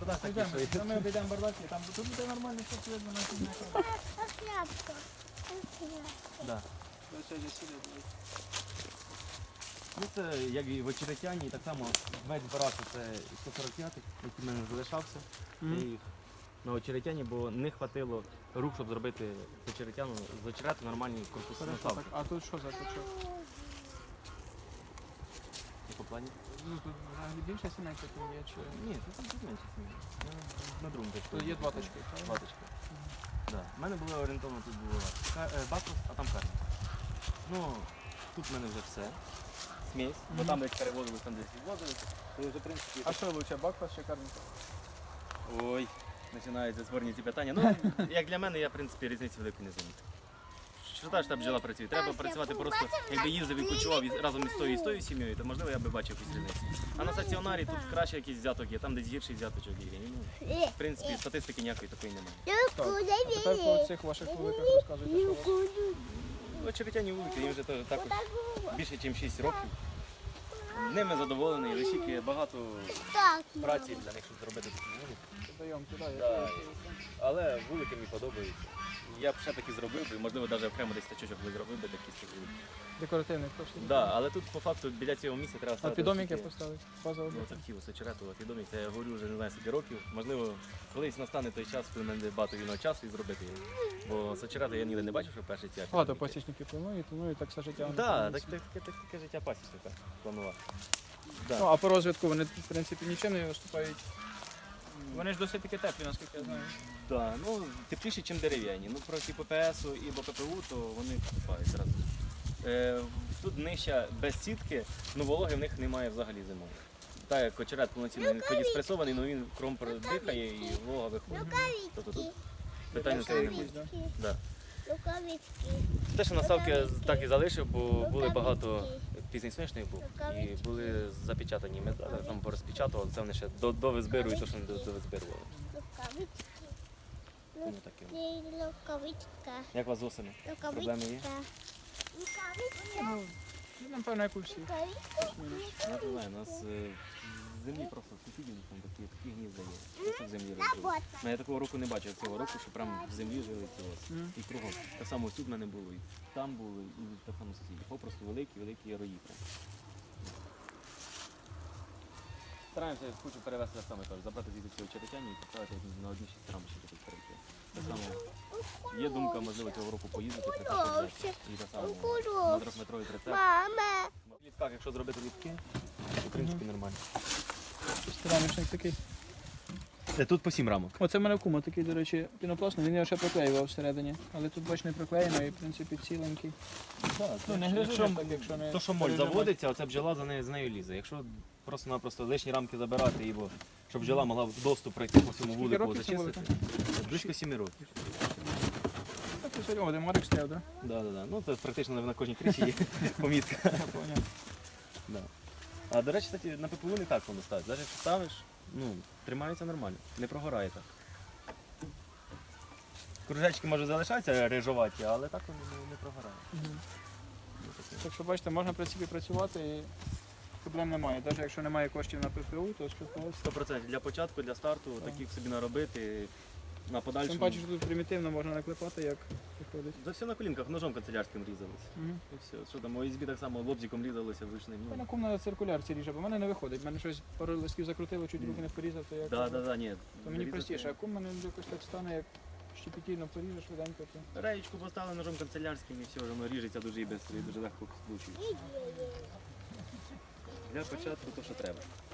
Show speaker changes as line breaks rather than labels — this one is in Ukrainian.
бардак такий, що...
Ми обійдемо бардак, і там тут буде нормально, все видно на цій
Шляпка.
Да. Ну це як і в Очеретяні, так само весь барак це 145-й, який в мене залишався. Я їх на Очеретяні, бо не хватило рук, щоб зробити з Очеретяну, з Очерету нормальні корпуси наставки.
А тут що за точок?
По плані?
Ну тут взагалі більше сімейка тут є, чи...
Ні, тут менше сім'ї. На другому точку.
Тут є два точки, правильно?
Два точки. Да. У мене було орієнтовно, тут було бакус, а там карма. Ну, тут в мене вже все. Смесь, бо там десь перевозились, там десь відвозилися. То вже, в принципі...
А що лучше, бакфас чи карміка?
Ой, починаються спорні ці питання. Ну, як для мене, я, в принципі, різниці великої не замітив. Що та ж та бджола працює? Треба працювати просто, якби їздив, відпочивав разом із тою сім'єю, то можливо я би бачив якісь різниці. А на стаціонарі тут краще якийсь взяток є, там десь гірший взяточок є. Ну, в принципі, статистики ніякої такої немає.
Так, а тепер по цих ваших вуликах розказуйте, що у вас.
Очеретяні вулики, їм вже теж також більше, ніж 6 років. Ними задоволений, лише багато праці для них, щоб зробити такі вулики.
Даємо туди,
Да. Але вулики мені подобаються. Я б ще таки зробив би, можливо, навіть окремо десь тачочок би зробив би такі з таких вуликів.
декоративний просто.
Да, але тут по факту біля цього місця треба
А
ставити.
підоміки
такі-
поставити? Базово.
Ну, це хотілося очерету, а підомік, це я говорю вже не знаю скільки років. Можливо, колись настане той час, коли в мене багато вільного часу і зробити його. Бо з очерету я ніде не бачив, що перший ці
Багато пасічників планують, так все життя. вони
Так,
планують.
таке життя пасічника планував. Да.
Ну, а по розвитку вони, в принципі, нічим не виступають. Вони ж досить таки теплі, наскільки я знаю.
Да, ну, тепліші, ніж дерев'яні. Ну, проти ППСу і БППУ, то вони вступають зразу. Тут нижча без сітки, ну вологи в них немає взагалі зимою. Так як очерет повноцінно він ході спресований, але він кром дихає і волога виходить. Тобто тут питання це не буде. Да. Те, що наставки так і залишив, бо були багато пізній сонячних був і були запечатані медалі, там порозпечатували, це вони ще до визбиру і то, що не до визбирували. Тому таке. Як у вас з осені? Проблеми є?
Ну, напевно, як у всіх.
Я не знаю, у нас в землі просто сусідів там такі гнізда є. Просто в землі розжили. Ну, я такого року не бачив цього року, що прямо в землі жили ці ось. І кругом. Так само ось тут в мене було, і там було, і так само сусідів. Попросту великі рої прям. Стараємося, хочу перевезти так само, кажу, забрати звідти цього Очеретяні і поставити на одні 6 рамочки тут перейти. Так само є думка, можливо, цього року поїздити, прикати і так само на 3-метровий прицеп. В літках, якщо зробити літки, то в принципі нормально.
Рамочник такий.
Тут по 7 рамок.
Оце в мене кума такий, до речі, пінопластний, він його ще проклеював всередині. Але тут, бач, не проклеєно і, в принципі, ціленький. Ну, не грижиш так, якщо не...
То, що моль
пережимати.
заводиться, оця бджола з нею лізе. Якщо просто-напросто лишні рамки забирати, бо щоб бджола могла доступ пройти по всьому
Скільки
вулику,
років цьому
зачистити, близько 7 років.
Так, і сьогодні один Марик стояв, так?
Да. Ну, це практично на кожній криші є помітка.
Я поняв.
Да. А до речі, кстати, на ППУ не так воно ставить. Навіть якщо ставиш, ну, тримається нормально, не прогорає так. Кружечки може залишатися рижуваті, але так вони не прогорає.
Так що, бачите, можна в принципі працювати і проблем немає. Навіть якщо немає коштів на ПФУ, то спілкуватися.
100% для початку, для старту, таких собі наробити, на
Тим
подальшому.
паче, що тут примітивно можна наклепати, як виходить.
За все на колінках, ножом канцелярським різалися. І все. Що там, ОСБ так само лобзиком різалося вручним.
Та на ком на циркулярці ріже, бо в мене не виходить. В мене щось пару листків закрутило, чуть руки не порізав, то як.
Ні.
То мені простіше, а кум мене якось так стане, як щепетільно поріжеш швиденько, то.
Реєчку поставили ножом канцелярським і все, воно ріжеться дуже і швидко, і дуже легко скручується. Для початку то, що треба.